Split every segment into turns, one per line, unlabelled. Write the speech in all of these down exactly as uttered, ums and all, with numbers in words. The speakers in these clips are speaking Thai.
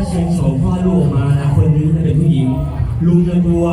เชียงโฉมพ่อลูกมานะคนนี้จะเป็นผู้หญิงลุงจะกลัว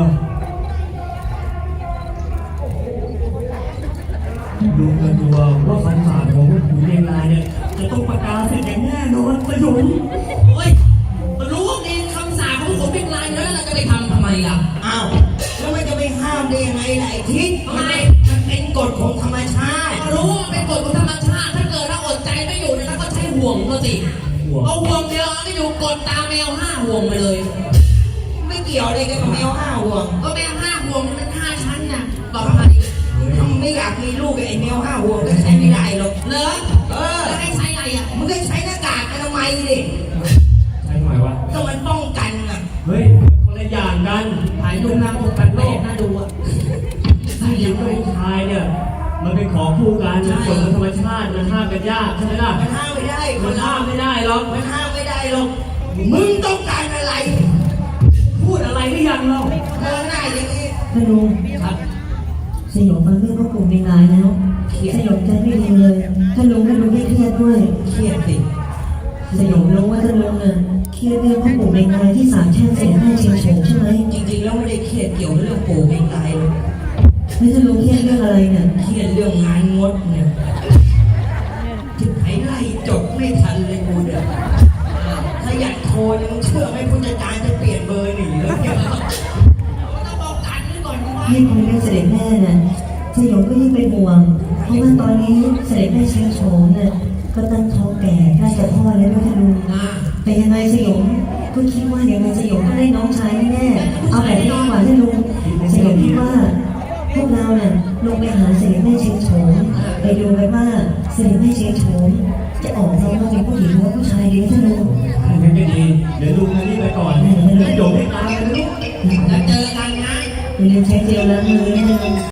ลุงจะกลัวว่าฟันฝ่าของขุนเรียงรายเนี่ยจะต้องประกาศเสร็จอย่างแน่นอนประโยชน์
เฮ้ยมันรู้ว่ามีคำสาปของผมเป็นลายแล้วเราจะไปทำทำไมล่ะ
อ้าวแล้วมันจะไปห้ามได้ยังไงล่ะไอ้ทิศทำไมมันเป็นกฎของธรรมชาติ
รู้ว่าเป็นกฎของธรรมชาติถ้าเกิดเราอดใจไม่อยู่นะครับก็ใช้ห่วงก็สิเอาห่วงเดียวไม่อยู่กดตามแมวห้าห่วงไปเลย
ไม่เกี่ยวอะไรกับแมวห้าห่วง
ก็แมวห้าห่วงมันเป็นห้าชั้นน่ะต่อไป
ถ้าไม่อยากมีลูกไอ้แมวห้าห่วงก็ใช้ไม่ได้หรอก
เหรอ
เออ
แล้วให้ใช้อะไรอ่ะ
มึงก็ใช้หน้ากากอนามัยดิ
ใช่ทำไมวะ
ก็มันป้องกันอ่ะ
เฮ้ยคนละอย่างกัน
ถ่ายรูปนางอกกันโลกน่าดูอ่ะ
ผู้หญิงกับผู้ชายเนี่ยมันเป็นของคู่กันเป็นกฎของธรรมชาติมันห้ามกันยากใช่ไหมล่ะ
มันห้ามไม่ได้
มันห้ามไม่ได้หรอก
มันห้ามไม่ได้หรอกมึงต้องการอะไร
พูดอะไรหรือยังเรา
เดินหน้าอย่างนี้
ท่านลุง
ครับ
สยองฟังเรื่องพ่อกลุ่มในงานแล้วสยองใจไม่ดีเลยท่านลุงท่านลุงไม่เครียดด้วย
เครียดสิ
สยองรู้ว่าท่านลุงเนี่ยเครียดเรื่องพ่อกลุ่มในงานที่สามแช่งเสียแม่เชียงโฉมใช่ไหม
จริงๆแล้วไม่ได้เครียดเกี่ยวเรื่องปู่เองตายเลย
ไม่ท่านลุงเครียดเรื่องอะไรเนี่ย
เครียดเรื่องงานงดเนี่ยที่ไหนไล่จบไม่ทันเลยกูเนี่ยถ้าอยากโทรยังเชื่อไหมผู้จัดการจะเปลี่ยนเบอร์หนีแล้วเนี่ย
ต้องบอกกันไว้ก่อนว่า
ยิ่งคุยเรื่องเสด็จแม่น่ะสยองก็ยิ่งเป็นห่วงเพราะว่าตอนนี้เสด็จแม่เชียงโฉมเนี่ยก็ตั้งท้องแก่ใกล้จะคลอดแล้วด้วยท่านลุงแต่ยังไงสยองก็คิดว่ายังไงสยองก็ได้น้องชายแน่ๆเอาแบบนี้ดีกว่าท่านลุงสยองคิดว่าพวกเราเนี่ยลงไปหาเสด็จแม่เชียงโฉมไปดูไปว่าเสด็จแม่เชียงโฉมจะออกมาเป็นผู้หญิงหรือว่าผู้ชายดีท่านลุง
งั้นก็ดีเดี๋ยวลุงมารีบไปก่อนเดี๋ยวโยมให้ตามไปลูก
แล้วเจอกันนะ
อย่าลืมใช้เจลล้างมือด้วย